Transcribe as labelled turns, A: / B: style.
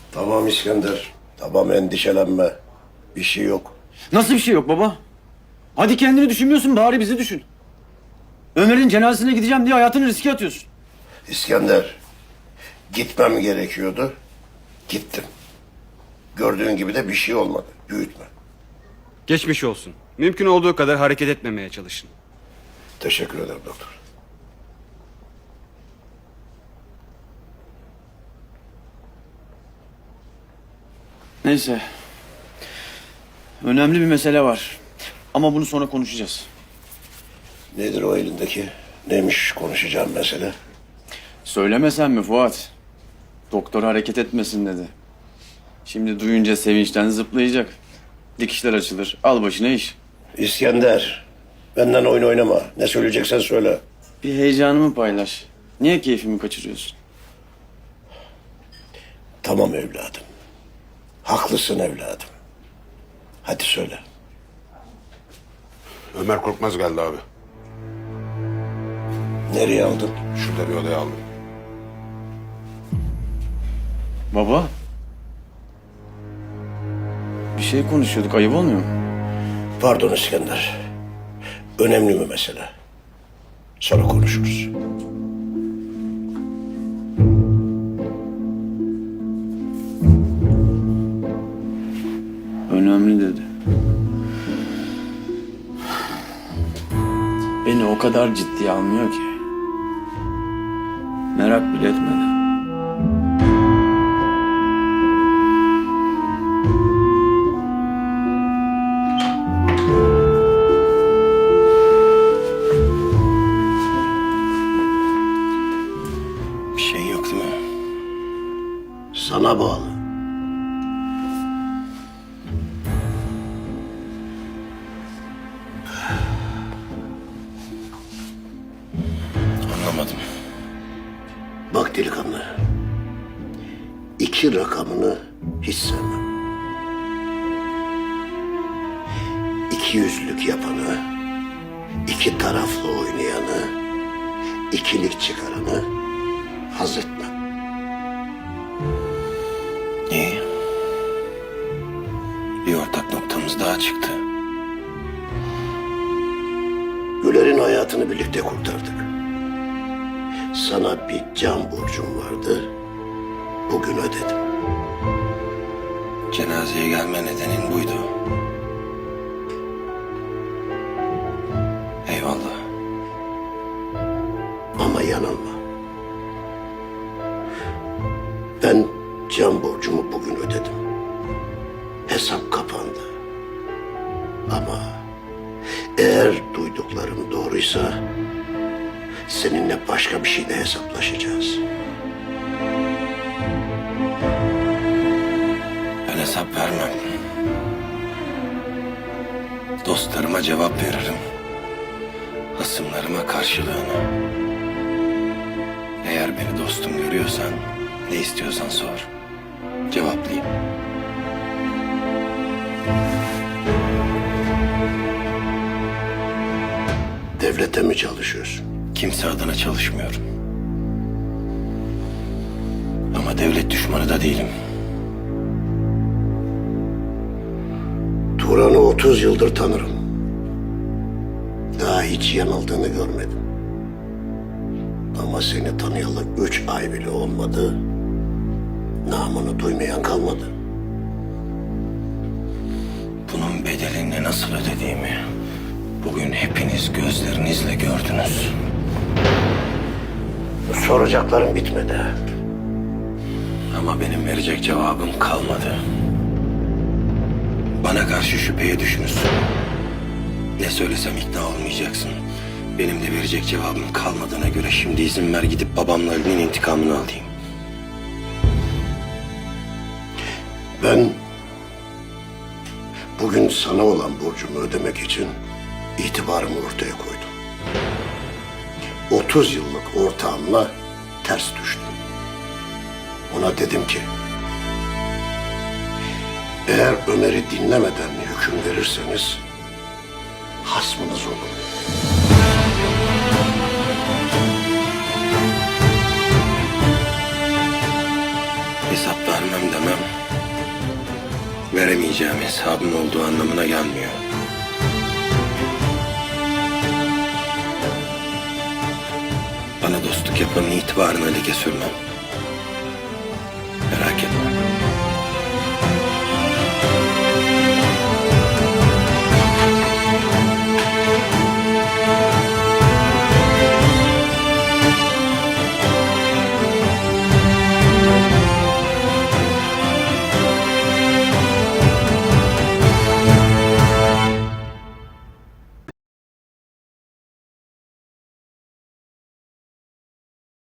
A: Tamam İskender. Tamam, endişelenme. Bir şey yok.
B: Nasıl bir şey yok baba? Hadi kendini düşünmüyorsun, bari bizi düşün. Ömer'in cenazesine gideceğim diye hayatını riske atıyorsun.
A: İskender, gitmem gerekiyordu. Gittim. Gördüğün gibi de bir şey olmadı. Büyütme.
C: Geçmiş olsun. Mümkün olduğu kadar hareket etmemeye çalışın.
A: Teşekkür ederim doktor.
B: Neyse. Önemli bir mesele var. Ama bunu sonra konuşacağız.
A: Nedir o elindeki? Neymiş konuşacağım mesele?
B: Söylemesen mi Fuat? Doktor hareket etmesin dedi. Şimdi duyunca sevinçten zıplayacak. Dikişler açılır. Al başına iş.
A: İskender, benden oyun oynama. Ne söyleyeceksen söyle.
B: Bir heyecanımı paylaş. Niye keyfimi kaçırıyorsun?
A: Tamam evladım. Haklısın evladım. Hadi söyle.
D: Ömer Korkmaz geldi abi.
A: Nereye aldın?
D: Şurada bir odaya aldım.
B: Baba. Bir şey konuşuyorduk. Ayıp olmuyor mu?
A: Pardon İskender. Önemli mi mesele? Sonra konuşuruz.
B: Önemli dedi. Beni o kadar ciddiye almıyor ki. Merak bile etmedi.
A: Bir şey yok değil mi? Sana bağlı.
D: Anlamadım.
A: Bak delikanlı. 2 rakamını hiç sevmem. İkiyüzlülük yapanı, 2 taraflı oynayanı, ikilik çıkaranı haz etmem.
D: İyi. Bir ortak noktamız daha çıktı.
A: Güler'in hayatını birlikte kurtardık. Sana bir can borcum vardı. Bugün ödedim.
D: Cenazeye gelme nedenin buydu. Eyvallah.
A: Ama yanılma. Ben can borcumu bugün ödedim. Hesap kapandı. Ama eğer duyduklarım doğruysa seninle başka bir şeyle hesaplaşacağız.
D: Ben hesap vermem. Dostlarıma cevap veririm. Hasımlarıma karşılığını. Eğer beni dostum görüyorsan ne istiyorsan sor. Cevaplayayım.
A: Devlete mi çalışıyorsun?
D: Kimse adına çalışmıyorum. Ama devlet düşmanı da değilim.
A: Turan'ı 30 yıldır tanırım. Daha hiç yanıldığını görmedim. Ama seni tanıyalı 3 ay bile olmadı. Namını duymayan kalmadı.
D: Bunun bedelini nasıl ödediğimi bugün hepiniz gözlerinizle gördünüz.
A: Soracaklarım bitmedi.
D: Ama benim verecek cevabım kalmadı. Bana karşı şüpheye düşmüşsün. Ne söylesem ikna olmayacaksın. Benim de verecek cevabım kalmadığına göre şimdi izin ver gidip babamla Ali'nin intikamını alayım.
A: Ben bugün sana olan borcumu ödemek için itibarımı ortaya koydum. 30 yıllık ortağımla ters düştüm. Ona dedim ki, eğer Ömer'i dinlemeden hüküm verirseniz hasmınız olur.
D: Hesap vermem demem veremeyeceğim hesabın olduğu anlamına gelmiyor. Bana dostluk yapanın itibarını leke sürmem.